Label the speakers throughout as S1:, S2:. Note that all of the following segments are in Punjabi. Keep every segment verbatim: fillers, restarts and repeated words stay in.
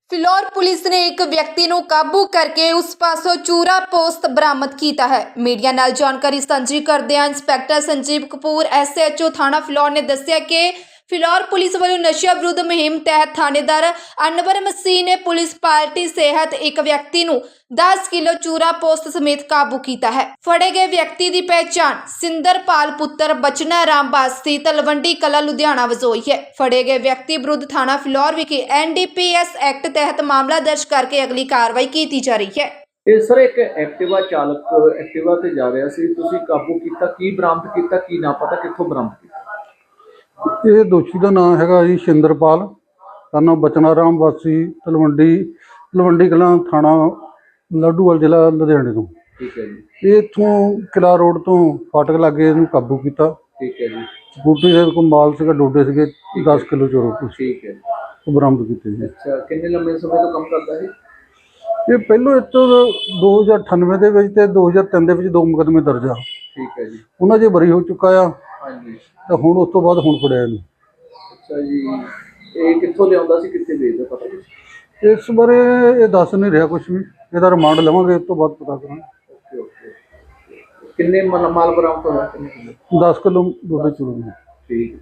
S1: ਫਿਲੌਰ ਪੁਲਿਸ ਨੇ ਇੱਕ ਵਿਅਕਤੀ ਨੂੰ ਕਾਬੂ ਕਰਕੇ ਉਸ ਪਾਸੋਂ ਚੂਰਾ ਪੋਸਤ ਬਰਾਮਦ ਕੀਤਾ ਹੈ। ਮੀਡੀਆ ਨਾਲ ਜਾਣਕਾਰੀ ਸਾਂਝੀ ਕਰਦਿਆਂ inspector Sanjeev Kapoor S H O ਥਾਣਾ ਫਿਲੌਰ ਨੇ ਦੱਸਿਆ ਕਿ ਫਿਲੌਰ ਪੁਲਿਸ ਵੱਲੋਂ ਨਸ਼ਾ ਵਿਰੁੱਧ ਮੁਹਿੰਮ ਤਹਿਤ ਥਾਣੇਦਾਰ ਅਨਵਰ ਮਸੀਹ ਨੇ ਪੁਲਿਸ ਪਾਰਟੀ ਸਿਹਤ ਇੱਕ ਵਿਅਕਤੀ ਨੂੰ ਦਸ ਕਿਲੋ ਚੂਰਾ ਪੋਸਤ ਸਮੇਤ ਕਾਬੂ ਕੀਤਾ ਹੈ। ਫੜੇ ਗਏ ਵਿਅਕਤੀ ਦੀ ਪਹਿਚਾਣ ਸਿੰਦਰਪਾਲ ਪੁੱਤਰ ਬਚਨਾ ਰਾਮ ਵਾਸੀ ਤਲਵੰਡੀ ਕਲਾ ਲੁਧਿਆਣਾ ਵਜੋਂ ਹੋਈ ਹੈ। ਫੜੇ ਗਏ ਵਿਅਕਤੀ ਵਿਰੁੱਧ ਥਾਣਾ ਫਿਲੌਰ ਵਿਖੇ N D P S act ਤਹਿਤ ਮਾਮਲਾ ਦਰਜ ਕਰਕੇ ਅਗਲੀ ਕਾਰਵਾਈ ਕੀਤੀ ਜਾ ਰਹੀ ਹੈ।
S2: ਇਹ ਸਰ ਇੱਕ ਐਕਟਿਵਾ ਚਾਲਕ ਐਕਟਿਵਾ ਤੇ ਜਾ ਰਿਹਾ ਸੀ, ਤੁਸੀਂ ਕਾਬੂ ਕੀਤਾ, ਕੀ ਬਰਾਮਦ ਕੀਤਾ, ਕੀ ਨਾ ਪਤਾ ਕਿੱਥੋਂ ਬਰਾਮਦ ਕੀਤਾ?
S3: ਇਹ ਦੋਸ਼ੀ ਦਾ ਨਾਮ ਹੈਗਾ ਜੀ ਸਿੰਦਰਪਾਲ ਸਾਨੂੰ ਬਚਨਾ ਰਾਮ ਵਾਸੀ ਤਲਵੰਡੀ ਤਲਵੰਡੀ ਕਲਾਂ ਥਾਣਾ ਲੱਡੂਵਾਲ ਜ਼ਿਲ੍ਹਾ ਲੁਧਿਆਣੇ ਤੋਂ।
S2: ਠੀਕ ਹੈ ਜੀ।
S3: ਇਹ ਇੱਥੋਂ ਕਿਲਾ ਰੋਡ ਤੋਂ ਫਾਟਕ ਲਾਗੇ ਇਹਨੂੰ ਕਾਬੂ ਕੀਤਾ।
S2: ਠੀਕ ਹੈ ਜੀ।
S3: ਸਕੂਟਰੀ ਦੇ ਕੋਲ ਮਾਲ ਸੀਗਾ, ਡੋਡੇ ਸੀਗੇ ਦਸ ਕਿਲੋ ਚੋਰੋ ਕੁਛ
S2: ਠੀਕ ਹੈ।
S3: ਉਹ ਬਰਾਮਦ ਕੀਤੇ ਜੀ।
S2: ਅੱਛਾ, ਕਿੰਨੇ ਲੰਮੇ ਸਮੇਂ ਤੋਂ ਕੰਮ ਕਰਦਾ ਹੈ
S3: ਇਹ ਪਹਿਲੋਂ ਇੱਥੋਂ ਦੋ ਹਜ਼ਾਰ ਅਠਾਨਵੇਂ ਦੇ ਵਿੱਚ ਤੇ ਦੋ ਹਜ਼ਾਰ ਤਿੰਨ ਦੇ ਵਿੱਚ ਦੋ ਮੁਕੱਦਮੇ ਦਰਜ ਆ।
S2: ਠੀਕ ਹੈ ਜੀ।
S3: ਉਹਨਾਂ 'ਚ ਬਰੀ ਹੋ ਚੁੱਕਾ ਆ।
S2: ਹਾਂਜੀ।
S3: ਤਾਂ ਹੁਣ ਉਸ ਤੋਂ ਬਾਅਦ ਹੁਣ ਫੜਿਆ ਇਹਨੂੰ।
S2: ਅੱਛਾ ਜੀ, ਇਹ ਕਿੱਥੋਂ ਲਿਆਉਂਦਾ ਸੀ, ਕਿੱਥੇ ਵੇਚਦਾ, ਪਤਾ ਕੁਛ?
S3: ਇਸ ਬਾਰੇ ਇਹ ਦੱਸ ਨਹੀਂ ਰਿਹਾ ਕੁਝ ਵੀ। ਇਹਦਾ ਰਿਮਾਂਡ ਲਵਾਂਗੇ, ਉਸ ਤੋਂ ਬਾਅਦ ਪਤਾ ਕਰਾਂਗੇ।
S2: Okay okay. ਕਿੰਨੇ ਮਾਲ ਮਾਲ ਬਰਾਮਦ ਹੋਇਆ? ਕਿੰਨੇ ਕਿਲੋ?
S3: ਦਸ ਕਿਲੋ ਡੋਡੇ ਚੂਰੋ ਦੀ।
S2: ਠੀਕ।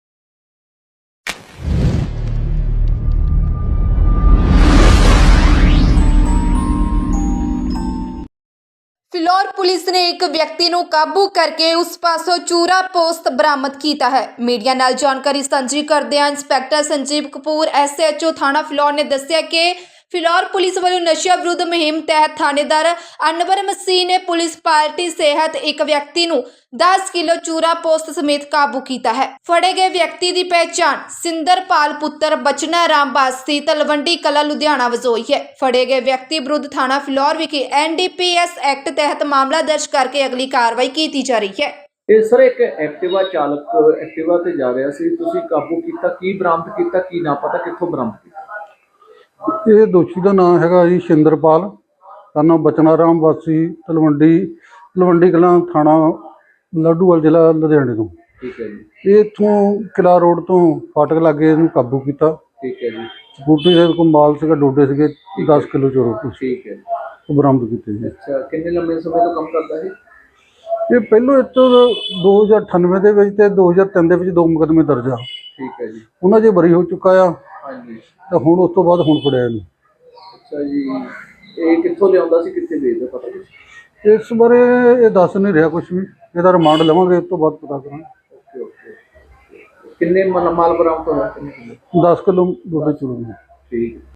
S1: ਫਿਲੌਰ ਪੁਲਿਸ ਨੇ ਇੱਕ ਵਿਅਕਤੀ ਨੂੰ ਕਾਬੂ ਕਰਕੇ ਉਸ ਪਾਸੋਂ ਚੂਰਾ ਪੋਸਤ ਬਰਾਮਦ ਕੀਤਾ ਹੈ। ਮੀਡੀਆ ਨਾਲ ਜਾਣਕਾਰੀ ਸਾਂਝੀ ਕਰਦਿਆਂ inspector Sanjeev Kapoor S H O ਥਾਣਾ ਫਿਲੌਰ ਨੇ ਦੱਸਿਆ ਕਿ ਫਿਲੌਰ ਪੁਲਿਸ ਵੱਲੋਂ ਨਸ਼ਾ ਵਿਰੁੱਧ ਮੁਹਿੰਮ ਤਹਿਤ ਥਾਣੇਦਾਰ ਅਨਵਰ ਮਸੀਹ ਨੇ ਪੁਲਿਸ ਪਾਰਟੀ ਸਿਹਤ ਇੱਕ ਵਿਅਕਤੀ ਨੂੰ ਦਸ ਕਿਲੋ ਚੂਰਾ ਪੋਸਤ ਸਮੇਤ ਕਾਬੂ ਕੀਤਾ ਹੈ। ਫੜੇ ਗਏ ਵਿਅਕਤੀ ਦੀ ਪਹਿਚਾਣ ਸਿੰਦਰਪਾਲ ਪੁੱਤਰ ਬਚਨਾ ਰਾਮ ਵਾਸੀ ਤਲਵੰਡੀ ਕਲਾ ਲੁਧਿਆਣਾ ਵਜੋਂ ਹੋਈ ਹੈ। ਫੜੇ ਗਏ ਵਿਅਕਤੀ ਵਿਰੁੱਧ ਥਾਣਾ ਫਿਲੌਰ ਵਿਖੇ N D P S act ਤਹਿਤ ਮਾਮਲਾ ਦਰਜ ਕਰਕੇ ਅਗਲੀ ਕਾਰਵਾਈ ਕੀਤੀ ਜਾ ਰਹੀ ਹੈ।
S2: ਇਹ ਸਰ ਇੱਕ ਐਕਟਿਵਾ ਚਾਲਕ ਐਕਟਿਵਾ ਤੇ ਜਾ ਰਿਹਾ ਸੀ, ਤੁਸੀਂ ਕਾਬੂ ਕੀਤਾ, ਕੀ ਬਰਾਮਦ ਕੀਤਾ, ਕੀ ਨਾ ਪਤਾ ਕਿੱਥੋਂ ਬਰਾਮਦ ਕੀਤਾ?
S3: ਇਹ ਦੋਸ਼ੀ ਦਾ ਨਾਮ ਹੈਗਾ ਜੀ ਸਿੰਦਰਪਾਲ ਸਾਨੂੰ ਬਚਨਾ ਰਾਮ ਵਾਸੀ ਤਲਵੰਡੀ ਤਲਵੰਡੀ ਕਲਾਂ ਥਾਣਾ ਲੱਡੂਵਾਲ ਜ਼ਿਲ੍ਹਾ ਲੁਧਿਆਣੇ ਤੋਂ।
S2: ਠੀਕ ਹੈ ਜੀ।
S3: ਇਹ ਇੱਥੋਂ ਕਿਲਾ ਰੋਡ ਤੋਂ ਫਾਟਕ ਲਾਗੇ ਇਹਨੂੰ ਕਾਬੂ ਕੀਤਾ।
S2: ਠੀਕ ਹੈ ਜੀ।
S3: ਸਕੂਟਰੀ ਦੇ ਕੋਲ ਮਾਲ ਸੀਗਾ, ਡੋਡੇ ਸੀਗੇ ਦਸ ਕਿਲੋ ਚੋਰੋ ਕੁਛ।
S2: ਠੀਕ ਹੈ।
S3: ਉਹ ਬਰਾਮਦ ਕੀਤੇ ਜੀ।
S2: ਅੱਛਾ, ਕਿੰਨੇ ਲੰਮੇ ਸਮੇਂ ਤੋਂ ਕੰਮ ਕਰਦਾ ਹੈ?
S3: ਇਹ ਪਹਿਲੋਂ ਇੱਥੋਂ ਦੋ ਹਜ਼ਾਰ ਅਠਾਨਵੇਂ ਦੇ ਵਿੱਚ ਤੇ ਦੋ ਹਜ਼ਾਰ ਤਿੰਨ ਦੇ ਵਿੱਚ ਦੋ ਮੁਕੱਦਮੇ ਦਰਜ ਆ।
S2: ਠੀਕ ਹੈ ਜੀ।
S3: ਉਹਨਾਂ 'ਚ ਬਰੀ ਹੋ ਚੁੱਕਾ ਆ।
S2: ਹਾਂਜੀ।
S3: ਤਾਂ ਹੁਣ ਉਸ ਤੋਂ ਬਾਅਦ ਹੁਣ ਫੜਿਆ ਇਹਨੂੰ।
S2: ਅੱਛਾ ਜੀ, ਇਹ ਕਿੱਥੋਂ ਲਿਆਉਂਦਾ ਸੀ, ਕਿੱਥੇ ਵੇਚਦਾ, ਪਤਾ ਕੁਛ?
S3: ਇਸ ਬਾਰੇ ਇਹ ਦੱਸ ਨਹੀਂ ਰਿਹਾ ਕੁਝ ਵੀ। ਇਹਦਾ ਰਿਮਾਂਡ ਲਵਾਂਗੇ, ਉਸ ਤੋਂ ਬਾਅਦ ਪਤਾ ਕਰਾਂਗੇ।
S2: Okay okay. ਕਿੰਨੇ ਮਾਲ ਮਾਲ ਬਰਾਮਦ ਹੋਇਆ? ਕਿੰਨੇ ਕਿਲੋ?
S3: ਦਸ ਕਿਲੋ ਡੋਡੇ ਚੂਰੋ ਦੀ।
S2: ਠੀਕ।